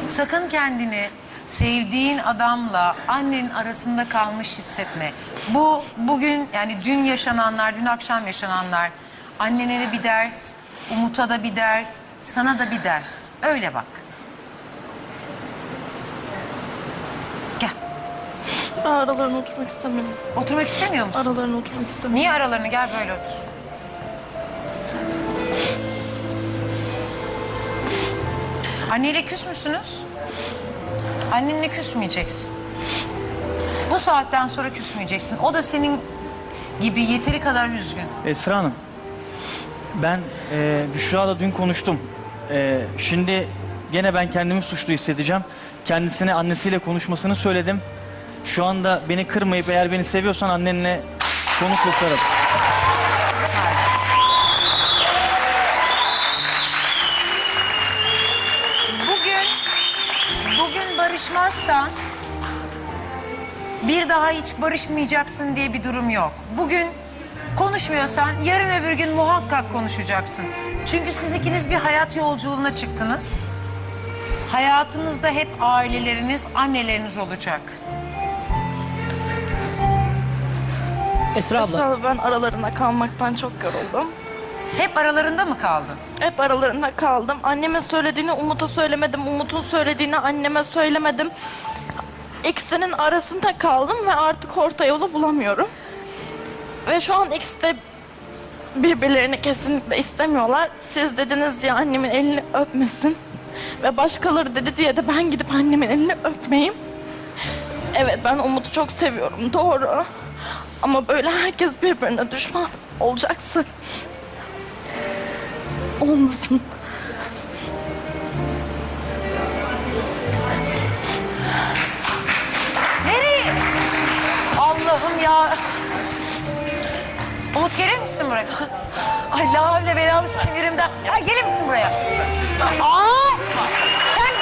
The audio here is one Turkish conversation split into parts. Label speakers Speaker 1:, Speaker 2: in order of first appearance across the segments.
Speaker 1: Sakın kendini sevdiğin adamla annenin arasında kalmış hissetme. Bu bugün yani dün yaşananlar, dün akşam yaşananlar annene de bir ders, Umut'a da bir ders, sana da bir ders. Öyle bak. Gel.
Speaker 2: Ben aralarına oturmak istemiyorum.
Speaker 1: Oturmak istemiyor musun?
Speaker 2: Aralarına oturmak istemiyorum.
Speaker 1: Niye aralarını? Gel böyle otur. Anneyle küs müsünüz? Annenle küsmeyeceksin. Bu saatten sonra küsmeyeceksin. O da senin gibi yeteri kadar üzgün.
Speaker 3: Esra Hanım, ben Büşra'la dün konuştum. Şimdi gene ben kendimi suçlu hissedeceğim. Kendisine annesiyle konuşmasını söyledim. Şu anda beni kırmayıp eğer beni seviyorsan annenle konu kurtaralım.
Speaker 1: Bugün barışmazsan bir daha hiç barışmayacaksın diye bir durum yok. Bugün konuşmuyorsan yarın öbür gün muhakkak konuşacaksın. Çünkü siz ikiniz bir hayat yolculuğuna çıktınız. Hayatınızda hep aileleriniz, anneleriniz olacak.
Speaker 4: Esra abla.
Speaker 2: Esra abla, ben aralarında kalmaktan çok yoruldum.
Speaker 1: Hep aralarında mı kaldın?
Speaker 2: Hep aralarında kaldım. Anneme söylediğini Umut'a söylemedim. Umut'un söylediğini anneme söylemedim. İkisinin arasında kaldım ve artık orta yolu bulamıyorum. Ve şu an ikisi de birbirlerini kesinlikle istemiyorlar. Siz dediniz diye annemin elini öpmesin. Ve başkaları dedi diye de ben gidip annemin elini öpmeyeyim. Evet, ben Umut'u çok seviyorum, doğru. Ama böyle herkes birbirine düşman olacaksa olmasın.
Speaker 1: Nereye? Allah'ım ya. Umut gelir misin buraya? Ay la havle belalı sinirimden. Ay gelir misin buraya? Aa! Sen...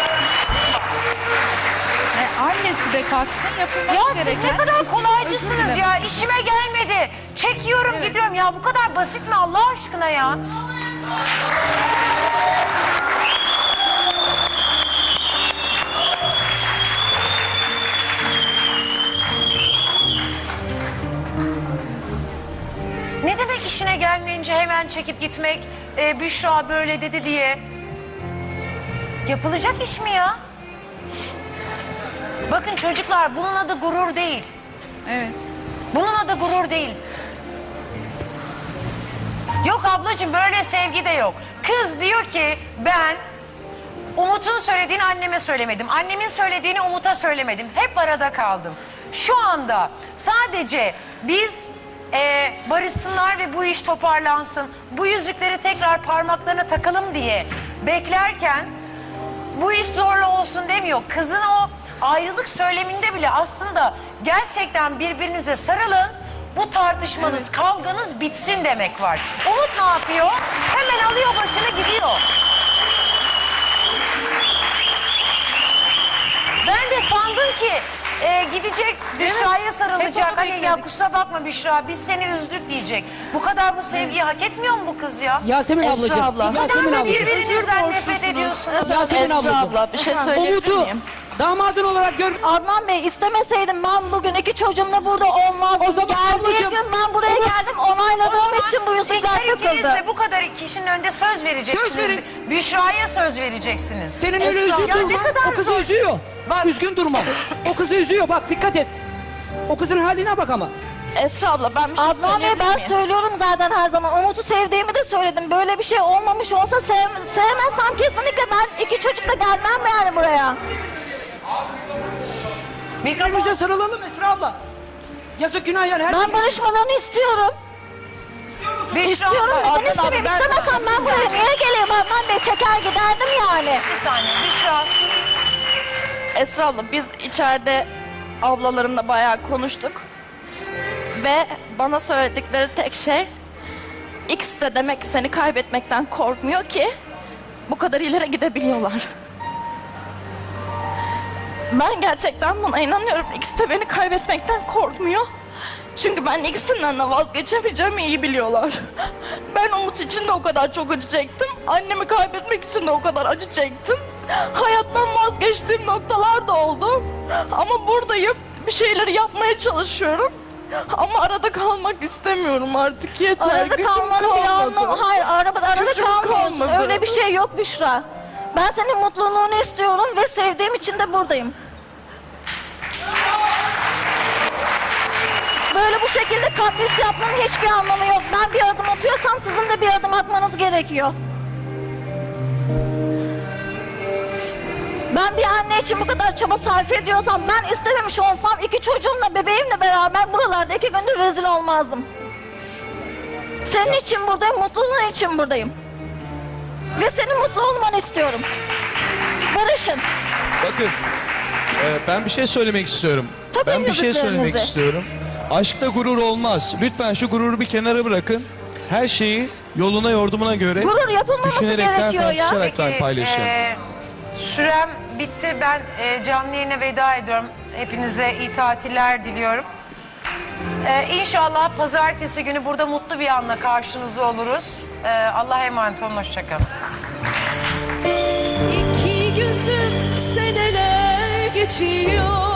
Speaker 5: Annesi de kalksın yapılması
Speaker 1: Ya
Speaker 5: gereken.
Speaker 1: siz ne kadar
Speaker 5: ikisinin özür
Speaker 1: kolaycısınız
Speaker 5: dilemesi.
Speaker 1: ya. İşime gelmedi. Çekiyorum gidiyorum. Ya bu kadar basit mi Allah aşkına ya? Ne demek işine gelmeyince hemen çekip gitmek? Büşra böyle dedi diye. Yapılacak iş mi ya? Bakın çocuklar, bunun adı gurur değil.
Speaker 5: Evet.
Speaker 1: Bunun adı gurur değil. Yok ablacığım, böyle sevgi de yok. Kız diyor ki ben Umut'un söylediğini anneme söylemedim. Annemin söylediğini Umut'a söylemedim. Hep arada kaldım. Şu anda sadece biz barışsınlar ve bu iş toparlansın. Bu yüzükleri tekrar parmaklarına takalım diye beklerken bu iş zorla olsun demiyor. Kızın o ayrılık söyleminde bile aslında gerçekten birbirinize sarılın. Bu tartışmanız, kavganız bitsin demek var. Umut ne yapıyor? Hemen alıyor başını gidiyor. Ben de sandım ki gidecek Büşra'ya sarılacak.
Speaker 5: Hep onu
Speaker 1: Hani ya
Speaker 5: bekledik.
Speaker 1: kusura bakma Büşra, biz seni üzdük diyecek. Bu kadar bu sevgiyi hak etmiyor mu bu kız ya?
Speaker 4: Yasemin
Speaker 2: Esra
Speaker 4: ablacığım.
Speaker 2: abla.
Speaker 1: Bu kadar
Speaker 4: Yasemin
Speaker 1: da
Speaker 4: ablacığım.
Speaker 1: birbirinizden nefret ediyorsunuz.
Speaker 4: Yasemin
Speaker 2: Esra
Speaker 4: ablacığım.
Speaker 2: abla, bir şey söyleyebilir
Speaker 4: Umut'u
Speaker 2: miyim?
Speaker 4: damadın olarak gör...
Speaker 6: Adnan Bey, istemeseydim ben bugün iki çocuğumla burada olmazdım.
Speaker 4: O zaman
Speaker 6: Geldiği
Speaker 4: ablacığım,
Speaker 6: gün ben buraya
Speaker 4: Umut-
Speaker 6: geldim, onayladığım için bu yüzükler
Speaker 1: her ikiniz
Speaker 6: takıldı.
Speaker 1: de bu kadar kişinin önünde söz vereceksiniz.
Speaker 4: Söz verin.
Speaker 1: Büşra'ya söz vereceksiniz.
Speaker 4: Senin öyle
Speaker 1: Esra,
Speaker 4: üzgün
Speaker 1: ya ne
Speaker 4: durman
Speaker 1: kadar
Speaker 4: o kızı
Speaker 1: zor.
Speaker 4: üzüyor.
Speaker 1: Bak.
Speaker 4: Üzgün durma. O kızı üzüyor, bak dikkat et. O kızın haline bak ama.
Speaker 2: Esra abla, ben bir şey
Speaker 6: Adnan Bey,
Speaker 2: söyleyebilir
Speaker 6: ben
Speaker 2: miyim?
Speaker 6: söylüyorum zaten her zaman. Umut'u sevdiğimi de söyledim. Böyle bir şey olmamış olsa sevmezsem kesinlikle ben iki çocukla gelmem yani buraya.
Speaker 4: Birbirimize sarılalım Esra abla. Yazık günah yani.
Speaker 6: Ben barışmalarını istiyorum.
Speaker 1: Büşra,
Speaker 6: İstiyorum,
Speaker 1: bak,
Speaker 6: neden istemeyeyim? İstemesem ben buraya niye geleyim Adnan Bey? Çeker giderdim yani.
Speaker 1: Bir saniye Büşra.
Speaker 2: Esra abla, biz içeride ablalarımla bayağı konuştuk. Ve bana söyledikleri tek şey, X de demek ki seni kaybetmekten korkmuyor ki bu kadar ileri gidebiliyorlar. Ben gerçekten buna inanıyorum. X de beni kaybetmekten korkmuyor. Çünkü ben ikisinden de vazgeçemeyeceğimi iyi biliyorlar. Ben Umut için de o kadar çok acı çektim. Annemi kaybetmek için de o kadar acı çektim. Hayattan vazgeçtiğim noktalar da oldu. Ama buradayım. Bir şeyleri yapmaya çalışıyorum. Ama arada kalmak istemiyorum artık, yeter.
Speaker 6: Arada
Speaker 2: Gücüm
Speaker 6: kalmanın bir anlamı. Hayır, arada
Speaker 2: Gücüm
Speaker 6: kalmıyorsun.
Speaker 2: kalmadı.
Speaker 6: Öyle bir şey yok Büşra. Ben senin mutluluğunu istiyorum ve sevdiğim için de buradayım. Böyle bu şekilde kapris yapmanın hiçbir anlamı yok. Ben bir adım atıyorsam sizin de bir adım atmanız gerekiyor. Ben bir anne için bu kadar çaba sarf ediyorsam, ben istememiş olsam 2 çocuğumla, bebeğimle beraber buralarda 2 gündür rezil olmazdım. Senin için buradayım, mutluluğun için buradayım. Ve senin mutlu olmanı istiyorum. Barışın.
Speaker 7: Bakın, ben bir şey söylemek istiyorum.
Speaker 6: Tabii
Speaker 7: Ben bir şey söylemek
Speaker 6: müziklerinizi.
Speaker 7: istiyorum. Aşkta gurur olmaz. Lütfen şu gururu bir kenara bırakın. Her şeyi yoluna yordumuna göre
Speaker 6: Gurur yapılmaması
Speaker 7: düşünerekten,
Speaker 6: gerekiyor ya.
Speaker 7: tartışaraktan paylaşın.
Speaker 1: Sürem bitti. Ben canlı yayına veda ediyorum. Hepinize iyi tatiller diliyorum. İnşallah pazartesi günü burada mutlu bir anla karşınızda oluruz. Allah'a emanet olun. Hoşçakalın.
Speaker 8: İki gözüm seneler geçiyor.